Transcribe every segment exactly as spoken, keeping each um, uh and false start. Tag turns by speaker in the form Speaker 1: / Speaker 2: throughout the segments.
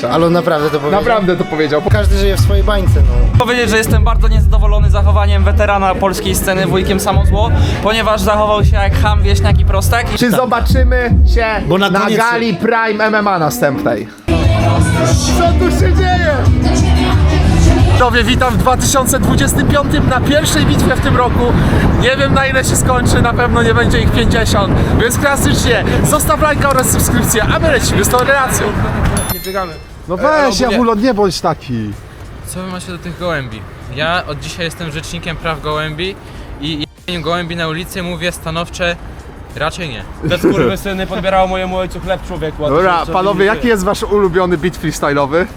Speaker 1: Kalisza.
Speaker 2: Ale on naprawdę to powiedział?
Speaker 1: Naprawdę to powiedział.
Speaker 2: Każdy żyje w swojej bańce, no.
Speaker 3: Powiedzieć, że jestem bardzo niezadowolony zachowaniem weterana polskiej sceny wujkiem Samozło, ponieważ zachował się jak cham, wieśniak i prostak.
Speaker 1: Czy zobaczymy się
Speaker 2: Bo na
Speaker 1: na
Speaker 2: koniec-
Speaker 1: gali Prime M M A następnej? Co tu się dzieje? Widzowie, witam w dwa tysiące dwudziestym piątym na pierwszej bitwie w tym roku. Nie wiem, na ile się skończy, na pewno nie będzie ich pięćdziesiąt, więc klasycznie zostaw lajka oraz subskrypcję, a my lecimy z tą relacją.
Speaker 4: Nie biegamy.
Speaker 1: No
Speaker 4: Ale
Speaker 1: weź,
Speaker 4: ogólnie-
Speaker 1: Jawulo, nie bądź taki.
Speaker 4: Co wy macie do tych gołębi? Ja od dzisiaj jestem rzecznikiem praw gołębi i jedzeniu gołębi na ulicy mówię stanowcze raczej nie.
Speaker 5: Te skurwysyny podbierało mojemu ojcu chleb, człowieku. a to
Speaker 1: Dobra,
Speaker 5: co- co
Speaker 1: panowie,
Speaker 5: widzicie?
Speaker 1: jaki jest wasz ulubiony beat freestyle'owy?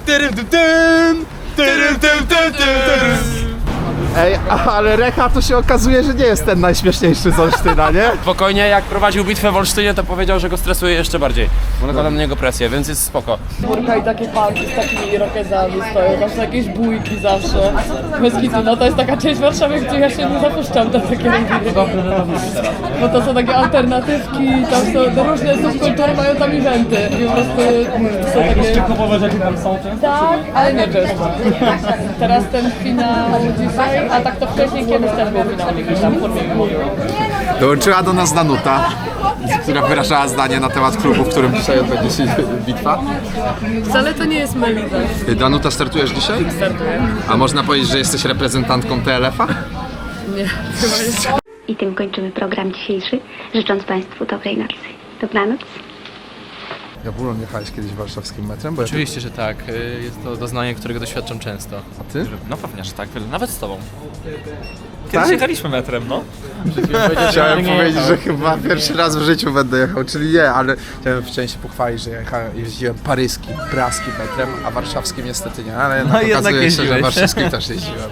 Speaker 1: Ej, ale Recha to się okazuje, że nie jest ten najśmieszniejszy z Olsztyna, nie?
Speaker 5: Spokojnie, jak prowadził bitwę w Olsztynie, to powiedział, że go stresuje jeszcze bardziej. Bo nakłada na niego presję, więc jest spoko.
Speaker 6: Kurka i takie parki z takimi irokezami stoją, tam są jakieś bójki zawsze. Bez kitu, no to jest taka część Warszawy, gdzie ja się nie zapuszczam do takiego bo to są takie alternatywki, tam są różne subkultury, mają tam eventy i po prostu są takie...
Speaker 5: Typowe rzeczy tam są często?
Speaker 6: Tak, ale nie często. Teraz ten finał dzisiaj, a tak to wcześniej kiedyś też był finał jakiś tam w formie.
Speaker 1: Dołączyła do nas Danuta, która wyrażała zdanie na temat klubu, w którym dzisiaj odbędzie się bitwa.
Speaker 6: Wcale to nie jest Melita.
Speaker 1: Danuta, startujesz dzisiaj?
Speaker 6: Startuję.
Speaker 1: A można powiedzieć, że jesteś reprezentantką T L F-a?
Speaker 6: Nie, chyba nie.
Speaker 7: I tym kończymy program dzisiejszy, życząc Państwu dobrej nocy. Dobranoc.
Speaker 1: Jabulon, jechałeś kiedyś warszawskim metrem? Bo ja
Speaker 4: Oczywiście, że tak. Y, Jest to doznanie, którego doświadczam często.
Speaker 1: A ty?
Speaker 3: No pewnie, że tak, nawet z tobą.
Speaker 1: Tak?
Speaker 3: Kiedyś jechaliśmy metrem, no.
Speaker 1: Chciałem powiedzieć, że chyba pierwszy raz w życiu będę jechał, czyli nie, ale chciałem wcześniej się pochwalić, że jechałem, jeździłem paryskim, praskim metrem, a warszawskim niestety nie, ale
Speaker 3: No jednak
Speaker 1: okazuje się, że
Speaker 3: jeździłeś.
Speaker 1: warszawskim też jeździłem.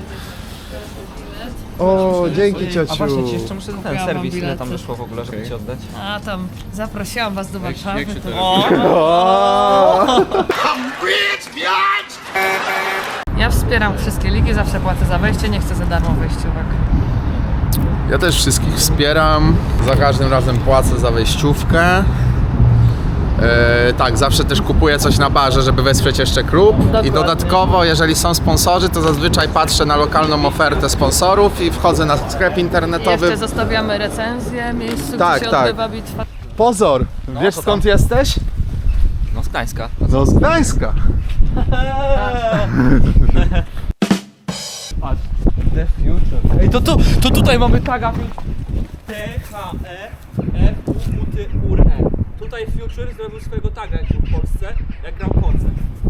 Speaker 1: O, dzięki ciociu.
Speaker 3: A właśnie ci jeszcze muszę ten serwis, ile tam wyszło w ogóle, żeby ci oddać.
Speaker 6: A tam zaprosiłam was do Warszawy.
Speaker 4: Jak się to
Speaker 6: Ja wspieram wszystkie ligi, zawsze płacę za wejście, nie chcę za darmo wejściówek.
Speaker 1: Ja też wszystkich wspieram, za każdym razem płacę za wejściówkę. E, tak, zawsze też kupuję coś na barze, żeby wesprzeć jeszcze klub. I dodatkowo, jeżeli są sponsorzy, to zazwyczaj patrzę na lokalną ofertę sponsorów i wchodzę na sklep internetowy.
Speaker 6: Jeszcze zostawiamy recenzję, miejscu,
Speaker 1: Tak,
Speaker 6: gdzie się
Speaker 1: tak.
Speaker 6: odbywa bitwa.
Speaker 1: Pozor, wiesz
Speaker 3: to
Speaker 1: skąd
Speaker 3: tam.
Speaker 1: jesteś?
Speaker 3: No z Gdańska.
Speaker 1: No z Gdańska.
Speaker 5: The Future. Ej, to, to, to tutaj mamy taga T H E F U T U R E. Tutaj Future zrobił swojego taga jak był w Polsce, jak grał koncert.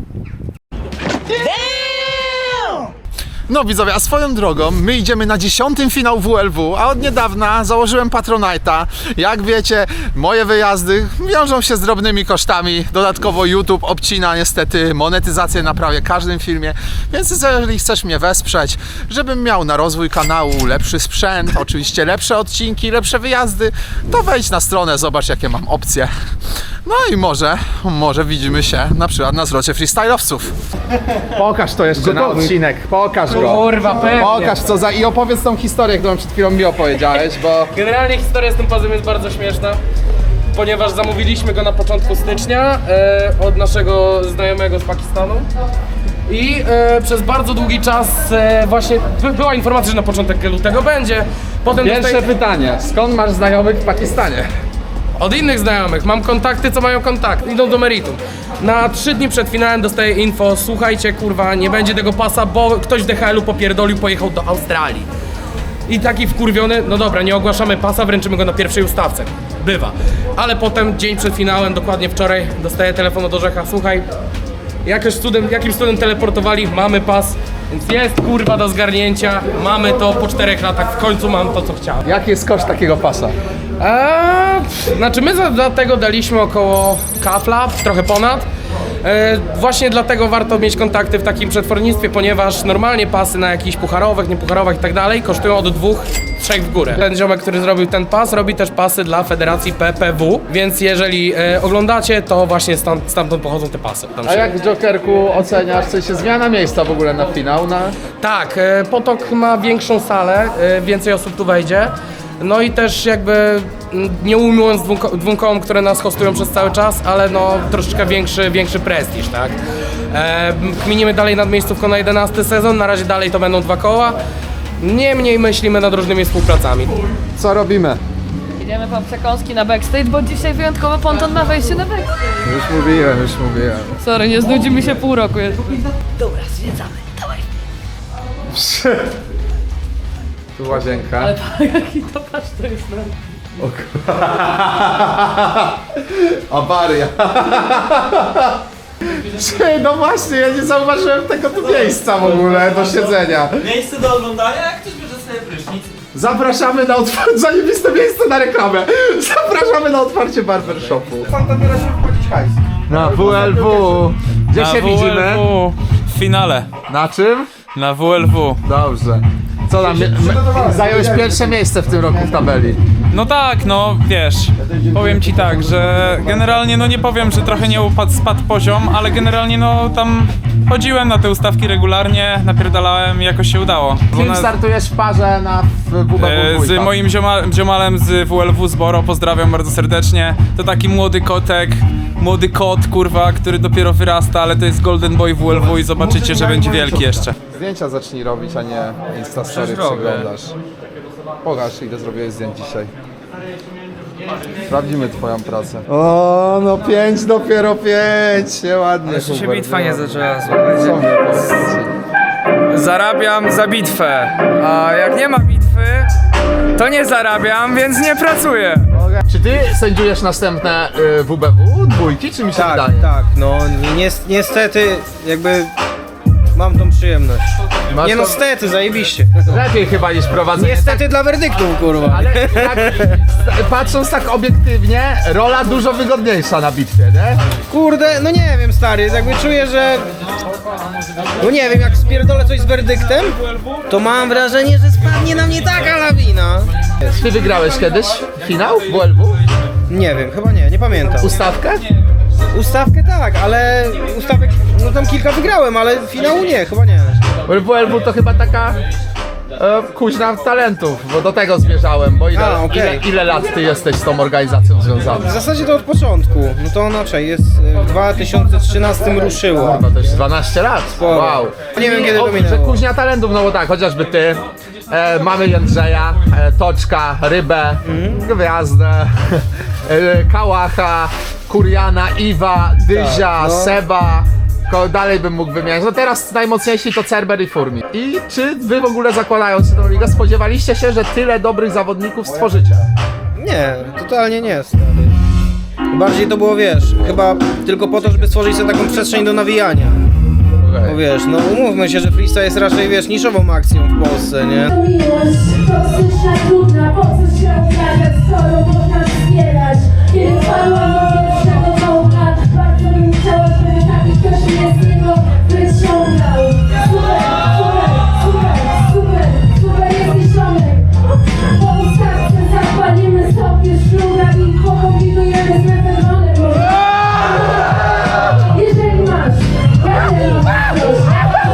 Speaker 1: No widzowie, a swoją drogą, my idziemy na dziesiątym finał W L W, a od niedawna założyłem Patronite'a. Jak wiecie, moje wyjazdy wiążą się z drobnymi kosztami. Dodatkowo YouTube obcina niestety monetyzację na prawie każdym filmie, więc jeżeli chcesz mnie wesprzeć, żebym miał na rozwój kanału lepszy sprzęt, oczywiście lepsze odcinki, lepsze wyjazdy, to wejdź na stronę, zobacz jakie mam opcje. No i może, może widzimy się na przykład na zlocie freestyle'owców. Pokaż to jeszcze na odcinek, pokaż go.
Speaker 8: Kurwa, pewnie.
Speaker 1: Pokaż co za i opowiedz tą historię, którą przed chwilą mi opowiedziałeś, bo...
Speaker 8: Generalnie historia z tym pazem jest bardzo śmieszna, ponieważ zamówiliśmy go na początku stycznia e, od naszego znajomego z Pakistanu. I e, przez bardzo długi czas e, właśnie by, była informacja, że na początek lutego będzie. Potem
Speaker 1: Pierwsze
Speaker 8: dostaję,
Speaker 1: pytanie, skąd masz znajomych w Pakistanie?
Speaker 8: od innych znajomych, mam kontakty, co mają kontakt, idą do meritum. Na trzy dni przed finałem dostaję info, słuchajcie kurwa, nie będzie tego pasa, bo ktoś w D H L-u popierdolił, pojechał do Australii. I taki wkurwiony, no dobra, nie ogłaszamy pasa, wręczymy go na pierwszej ustawce. Bywa. Ale potem, dzień przed finałem, dokładnie wczoraj, dostaję telefon od Orzecha, słuchaj, jakoś cudem, jakimś cudem teleportowali, mamy pas, więc jest kurwa do zgarnięcia, mamy to po czterech latach, w końcu mam to, co chciałem.
Speaker 1: Jaki jest koszt takiego pasa?
Speaker 8: Eee, znaczy my za, za tego daliśmy około kafla, trochę ponad. E, właśnie dlatego warto mieć kontakty w takim przetwórnictwie, ponieważ normalnie pasy na jakichś pucharowych, niepucharowych i tak dalej kosztują od dwóch, trzech w górę. Ten ziomek, który zrobił ten pas, robi też pasy dla Federacji P P W, więc jeżeli e, oglądacie, to właśnie stamtąd, stamtąd pochodzą te pasy. Tam
Speaker 1: A
Speaker 8: się...
Speaker 1: jak Jokerku oceniasz, w sensie zmiana miejsca w ogóle na finał? Na...
Speaker 8: Tak, e, Potok ma większą salę, e, więcej osób tu wejdzie. No i też jakby mm, nie ujmując dwóm, ko- dwóm kołom, które nas hostują przez cały czas, ale no troszeczkę większy, większy prestiż, tak? E, kminimy dalej nad miejscówką na jedenasty sezon, na razie dalej to będą dwa koła. Niemniej myślimy nad różnymi współpracami.
Speaker 1: Co robimy?
Speaker 6: Idziemy po przekąski na backstage, bo dzisiaj wyjątkowo Ponton ma wejście na backstage.
Speaker 1: Już mówiłem, już mówiłem.
Speaker 6: Sorry, nie znudzi mi się pół roku jeszcze.
Speaker 1: Tu łazienka.
Speaker 6: Ale jaki to patrz, to jest na...
Speaker 1: Awaria. Czy, no właśnie, ja nie zauważyłem tego tu miejsca w ogóle do siedzenia.
Speaker 3: Miejsce do oglądania, jak ktoś bierze sobie prysznic.
Speaker 1: Zapraszamy na otwarcie, zajebiste miejsce na reklamę. Zapraszamy na otwarcie barbershopu. Pan tam teraz wchodzić hajs. Na W L W. Gdzie się widzimy?
Speaker 3: w finale.
Speaker 1: Na czym?
Speaker 3: Na W L W.
Speaker 1: Dobrze. Co tam, zająłeś pierwsze miejsce w tym roku w tabeli.
Speaker 9: No tak, no wiesz, powiem ci tak, że generalnie no nie powiem, że trochę nie upadł, spadł poziom, ale generalnie no tam chodziłem na te ustawki regularnie, napierdalałem i jakoś się udało.
Speaker 1: Z kim
Speaker 9: Na-
Speaker 1: startujesz w parze na W B W
Speaker 9: e, z moim zioma, ziomalem z W L W z Boro, pozdrawiam bardzo serdecznie. To taki młody kotek, młody kot, kurwa, który dopiero wyrasta, ale to jest Golden Boy W L W i zobaczycie, że będzie wielki jeszcze.
Speaker 1: Zdjęcia zacznij robić, a nie Instastory przeglądasz. Pokaż, ile zrobiłeś zdjęć dzisiaj. Sprawdzimy twoją pracę. O, no pięć, dopiero pięć, nieładnie.
Speaker 3: Jeszcze się
Speaker 1: Hubert,
Speaker 3: bitwa nie
Speaker 1: no.
Speaker 3: zaczęła,
Speaker 1: Co
Speaker 3: słuchajcie.
Speaker 1: mnie powiedzieć?
Speaker 3: Zarabiam za bitwę, a jak nie ma bitwy, to nie zarabiam, więc nie pracuję.
Speaker 1: Czy ty sędziujesz następne y, W B W dwójki, czy mi się
Speaker 2: Tak,
Speaker 1: wydaje?
Speaker 2: tak, no ni- niestety jakby mam tą przyjemność.
Speaker 1: Masz
Speaker 2: Nie no,
Speaker 1: to
Speaker 2: stety, zajebiście.
Speaker 1: lepiej chyba niż prowadzenie.
Speaker 2: Niestety dla werdyktów, kurwa.
Speaker 1: Ale tak, patrząc tak obiektywnie, rola dużo wygodniejsza na bitwie, nie?
Speaker 2: Kurde, no nie wiem, stary, jakby czuję, że... No nie wiem, jak spierdolę coś z werdyktem, to mam wrażenie, że spadnie na mnie taka lawina.
Speaker 1: Ty wygrałeś kiedyś finał W L W?
Speaker 2: Nie wiem, chyba nie, nie pamiętam.
Speaker 1: Ustawkę?
Speaker 2: Ustawkę tak, ale ustawek, no tam kilka wygrałem, ale finału nie, chyba nie.
Speaker 1: W L W to chyba taka e, kuźna talentów, bo do tego zmierzałem, bo ile,
Speaker 2: A, okej.
Speaker 1: ile, ile lat ty jesteś z tą organizacją związany?
Speaker 2: W zasadzie to od początku, no to inaczej, jest e, w dwa tysiące trzynastym ruszyło.
Speaker 1: Chyba to już dwanaście lat.
Speaker 2: Sporo.
Speaker 1: Wow.
Speaker 2: Nie wiem, kiedy to
Speaker 1: O,
Speaker 2: minęło.
Speaker 1: że kuźnia talentów, no bo tak, chociażby ty. E, mamy Jędrzeja, e, Toczka, Rybę,
Speaker 2: Mhm.
Speaker 1: Gwiazdę, e, Kałacha, Kuriana, Iwa, Dyzia,
Speaker 2: Tak, no.
Speaker 1: Seba. Ko, dalej bym mógł wymieniać. No teraz najmocniejsi to Cerber i Furmi. I czy wy w ogóle zakładając się tą ligę spodziewaliście się, że tyle dobrych zawodników stworzycie?
Speaker 2: Nie, totalnie nie, stary. Bardziej to było, wiesz, chyba tylko po to, żeby stworzyć sobie taką przestrzeń do nawijania.
Speaker 1: Okay.
Speaker 2: No wiesz, no umówmy się, że freestyle jest raczej, wiesz, niszową akcją w Polsce, nie?
Speaker 10: Miłość, toksyczna, trudna, po co się obrażać, skoro można wspierać. Kiedy wpadłam do pierwszego dołka, bardzo bym chciała, żeby taki ktoś mnie z niego wyciągał. Super, super, super, super, super jest ziomek. Po ustawce zapalimy sobie szluga i pokombinujemy z meteronem. Jeżeli masz, ja mam coś.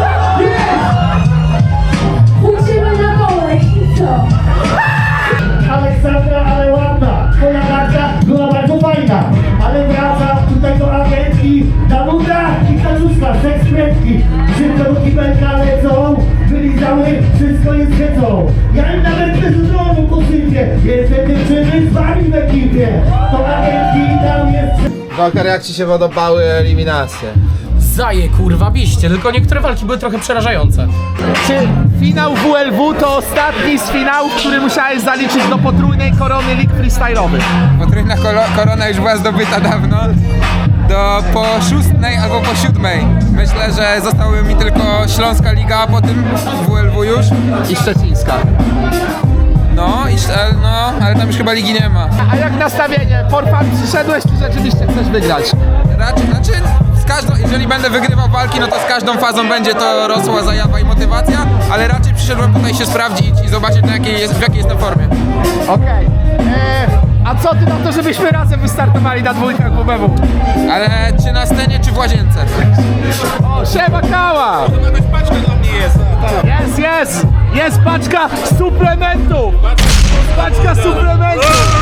Speaker 10: Pójdziemy na dole i co?
Speaker 11: Aleksandra, ale ładna. Twoja karta była bardzo fajna. Ale wraca tutaj do agentki Danuta i Kaluszka, seks prędki. Szybko do kibelka lecą, wylizały, wszystko jest hecą. Ja im nawet bez domu posypię. Jestem dziewczyny z wami w ekipie. To agentki tam jest...
Speaker 1: Walker, jak ci się podobały eliminacje?
Speaker 8: Zaje kurwa biście, tylko niektóre walki były trochę przerażające.
Speaker 1: Czy finał W L W to ostatni z finałów, który musiałeś zaliczyć do potrójnej korony lig freestyle'owych?
Speaker 12: Potrójna kolo- korona już była zdobyta dawno. Do po szóstej albo po siódmej. Myślę, że zostały mi tylko Śląska Liga, a potem W L W już.
Speaker 1: I szczecińska.
Speaker 12: No, i, e, no, ale tam już chyba ligi nie ma.
Speaker 1: A jak nastawienie? For fun przyszedłeś, czy rzeczywiście chcesz wygrać?
Speaker 12: Raczej, znaczy, z każdą, jeżeli będę wygrywał walki, no to z każdą fazą będzie to rosła zajawa i motywacja, ale raczej przyszedłem tutaj się sprawdzić i zobaczyć, na jakiej jest, w jakiej jestem formie.
Speaker 1: Okej. Eee, a co ty na to, żebyśmy razem wystartowali na dwójkach W B W?
Speaker 12: Ale czy na scenie, czy w łazience?
Speaker 1: O, siema Kała!
Speaker 11: Jakaś paczka dla mnie jest.
Speaker 1: Jest, jest! Jest paczka suplementów! Paczka suplementów!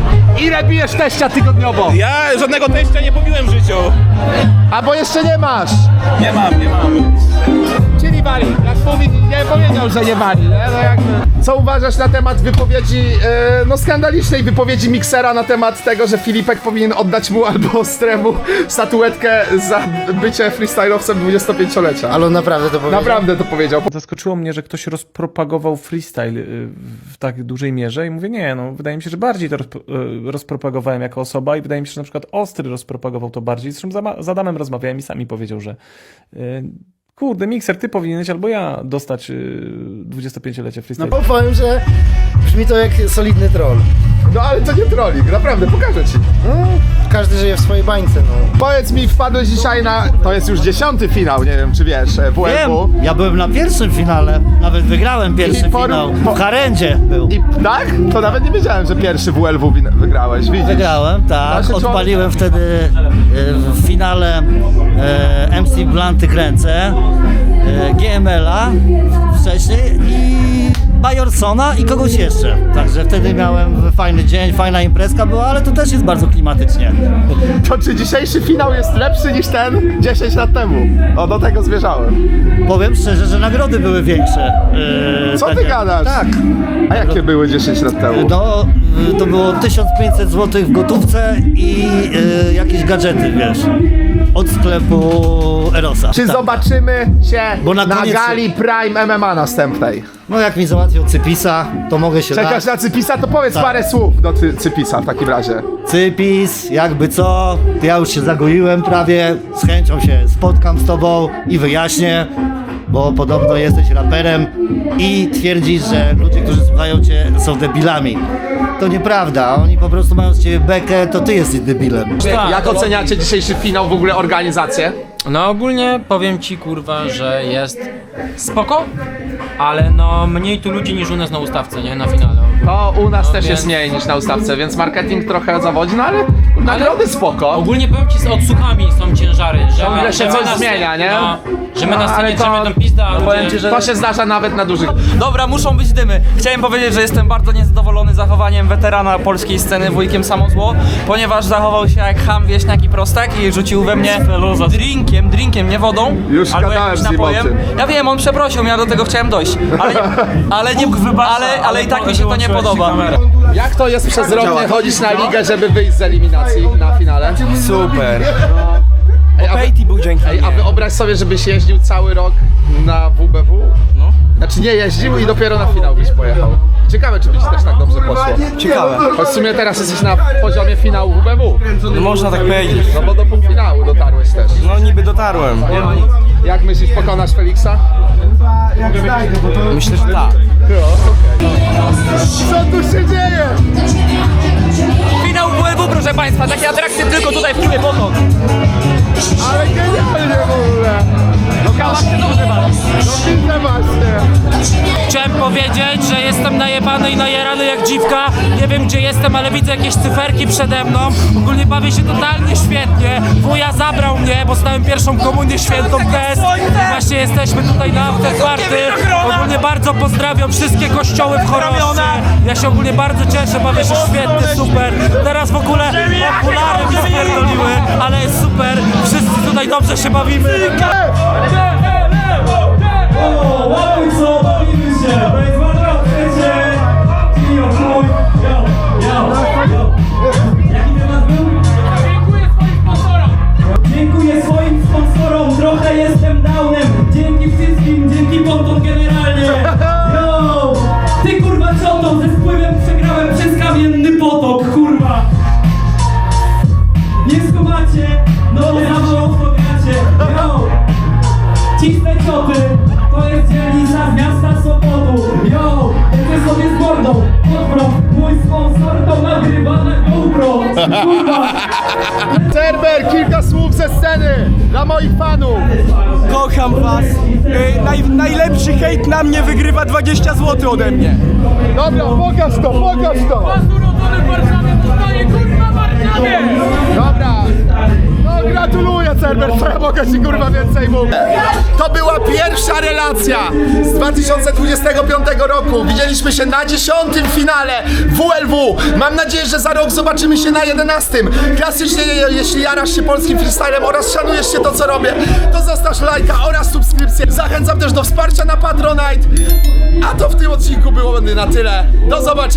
Speaker 1: Ile bijesz teścia tygodniowo?
Speaker 13: Ja żadnego teścia nie pobiłem w życiu.
Speaker 1: A bo jeszcze nie masz!
Speaker 13: Nie mam, nie mam.
Speaker 1: Czyli wali. Jak mówi, nie powiedział, że nie wali. Nie? No jakby. Co uważasz na temat wypowiedzi, e, no skandalicznej wypowiedzi Miksera na temat tego, że Filipek powinien oddać mu albo Ostremu statuetkę za bycie freestylowcem dwudziestopięciolecia?
Speaker 2: Ale on naprawdę to powiedział?
Speaker 1: Naprawdę to powiedział.
Speaker 14: Zaskoczyło mnie, że ktoś rozpropagował freestyle y, w tak dużej mierze i mówię, nie, no wydaje mi się, że bardziej to rozp- y, rozpropagowałem jako osoba i wydaje mi się, że na przykład Ostry rozpropagował to bardziej. Zresztą za, z Adamem rozmawiałem i sami powiedział, że y, kurde, Mikser, ty powinieneś albo ja dostać y, dwudziestopięciolecie freestyle.
Speaker 2: No bo powiem, że brzmi to jak solidny troll.
Speaker 1: No ale to nie trolling, naprawdę, pokażę ci.
Speaker 2: No, każdy żyje w swojej bańce, no.
Speaker 1: Powiedz mi, wpadłeś dzisiaj na, to jest już dziesiąty finał, nie wiem czy wiesz, W L W.
Speaker 11: Wiem, ja byłem na pierwszym finale, nawet wygrałem pierwszy
Speaker 1: I por-
Speaker 11: finał.
Speaker 1: po-
Speaker 11: W Harendzie był.
Speaker 1: I tak? To nawet nie wiedziałem, że pierwszy W L W win- wygrałeś, widzisz?
Speaker 11: Wygrałem, tak.
Speaker 1: Nasze
Speaker 11: Odpaliłem wtedy e, w finale e, M C Blanty Kręcę, e, G M L a wcześniej i Bajorsona i kogoś jeszcze. Także wtedy miałem fajny dzień, fajna imprezka była, ale to też jest bardzo klimatycznie.
Speaker 1: To czy dzisiejszy finał jest lepszy niż ten dziesięć lat temu? O, do tego zmierzałem.
Speaker 11: Powiem szczerze, że nagrody były większe. e,
Speaker 1: Co ty
Speaker 11: takie.
Speaker 1: gadasz?
Speaker 11: Tak.
Speaker 1: A jakie były dziesięć lat temu?
Speaker 11: No, y, to było tysiąc pięćset złotych w gotówce i y, jakieś gadżety, wiesz, od sklepu Erosa.
Speaker 1: Czy
Speaker 11: Tak.
Speaker 1: zobaczymy się
Speaker 11: Bo na
Speaker 1: na,
Speaker 11: koniec-
Speaker 1: gali Prime M M A następnej?
Speaker 11: No jak mi załatwią Cypisa, to mogę się
Speaker 1: Czekasz
Speaker 11: dać.
Speaker 1: na Cypisa? To powiedz
Speaker 11: Tak.
Speaker 1: parę słów do Cy- Cypisa w takim razie.
Speaker 11: Cypis, jakby co, ja już się zagoiłem prawie, z chęcią się spotkam z tobą i wyjaśnię, bo podobno jesteś raperem i twierdzisz, że ludzie, którzy słuchają cię, są debilami. To nieprawda, oni po prostu mają z ciebie bekę, to ty jesteś debilem.
Speaker 1: Jak oceniacie dzisiejszy finał, w ogóle organizację?
Speaker 3: No ogólnie powiem ci kurwa, że jest spoko, ale no mniej tu ludzi niż u nas na ustawce, nie? Na finale.
Speaker 1: To u nas
Speaker 3: No,
Speaker 1: też
Speaker 3: więc-
Speaker 1: jest mniej niż na ustawce, więc marketing trochę zawodzi, no ale nagrody spoko.
Speaker 3: Ogólnie powiem ci, z odsłuchami są ciężary, że
Speaker 1: Ciągle
Speaker 3: my,
Speaker 1: się
Speaker 3: że my
Speaker 1: coś
Speaker 3: na scenie-
Speaker 1: zmienia, nie?
Speaker 3: No, że my
Speaker 1: No,
Speaker 3: na scenie
Speaker 1: ale to-
Speaker 3: drzemy tą pizdę, a
Speaker 1: no,
Speaker 3: ludzie...
Speaker 1: powiem ci, że to się zdarza nawet na dużych.
Speaker 3: Dobra, muszą być dymy. Chciałem powiedzieć, że jestem bardzo niezadowolony zachowaniem weterana polskiej sceny wujkiem Samozło, ponieważ zachował się jak ham, wieśniak i prostak i rzucił we mnie drinkiem, drinkiem, nie wodą,
Speaker 1: Już
Speaker 3: albo
Speaker 1: gadałem
Speaker 3: jakimś
Speaker 1: z nim
Speaker 3: napojem.
Speaker 1: o tym.
Speaker 3: Ja wiem, on przeprosił, ja do tego chciałem dojść, ale, ale, nie, ale, ale i tak mi się to nie podoba.
Speaker 1: Jak to jest przez rok nie chodzić na ligę, żeby wyjść z eliminacji na finale?
Speaker 2: Super.
Speaker 1: Ej, a, wy,
Speaker 2: Pejti był dzięki
Speaker 1: ej, a wyobraź sobie, żebyś jeździł cały rok na W B W?
Speaker 3: No.
Speaker 1: Znaczy nie jeździł i dopiero na finał byś pojechał. Ciekawe, czy by ci też tak dobrze poszło.
Speaker 2: Ciekawe.
Speaker 1: Choć w sumie teraz jesteś na poziomie finału W B W.
Speaker 2: No można tak powiedzieć.
Speaker 1: No bo do półfinału dotarłeś też.
Speaker 2: No niby dotarłem.
Speaker 1: Jak myślisz, pokonasz Feliksa?
Speaker 2: Myślę, że tak.
Speaker 1: Co tu się dzieje?
Speaker 3: Finał W L W, proszę państwa, takie atrakcje tylko tutaj w klubie Potok.
Speaker 1: Ale genialnie w ogóle.
Speaker 3: No kawa się dobrze bawi.
Speaker 1: No widzę właśnie.
Speaker 8: Chciałem powiedzieć, że jestem najebany i najarany jak dziwka. Nie wiem gdzie jestem, ale widzę jakieś cyferki przede mną. Ogólnie bawię się totalnie świetnie. Wuja zabrał mnie, bo stałem pierwszą komunię świętą bez. I właśnie jesteśmy tutaj na afterparty. Ogólnie bardzo pozdrawiam wszystkie kościoły w Choroszczy. Ja się ogólnie bardzo cieszę, bawię się świetnie, super. Teraz w ogóle okulary mi spierdoliły, ale jest super. Wszyscy tutaj dobrze się bawimy.
Speaker 10: Dziękuję swoim sponsorom, trochę jestem downem. Dzięki wszystkim, dzięki ponton generalnie. Yo! Ty kurwa ciotą, ze spływem przegrałem przez kamienny potok, kurwa. Nie skumacie, no za mało w to gracie. Yo! Cisne cioty, to jest dzielnica z miasta Sopotu. Yo! Ty sobie z mordą, odwrot, mój sponsor to nagrywa na GoPro. Kurwa!
Speaker 1: Cerber, kilka słów ze sceny dla moich fanów.
Speaker 2: Kocham was. Ej, naj, najlepszy hejt na mnie wygrywa dwadzieścia złotych ode mnie.
Speaker 1: Dobra, pokaż to, pokaż to.
Speaker 10: urodzony w Warszawie, zostaje kurwa w Warszawie!
Speaker 1: Dobra. No No gratuluję, Cerber, co ja mogę ci kurwa więcej mówić. To była pierwsza relacja z dwa tysiące dwudziestego piątego roku. Widzieliśmy się na dziesiątym finale W L W. Mam nadzieję, że za rok zobaczymy się na jedenastym. Klasycznie, jeśli jarasz się polskim freestylem oraz szanujesz się to, co robię, to zostaw lajka oraz subskrypcję. Zachęcam też do wsparcia na Patronite. A to w tym odcinku było na tyle. Do zobaczenia.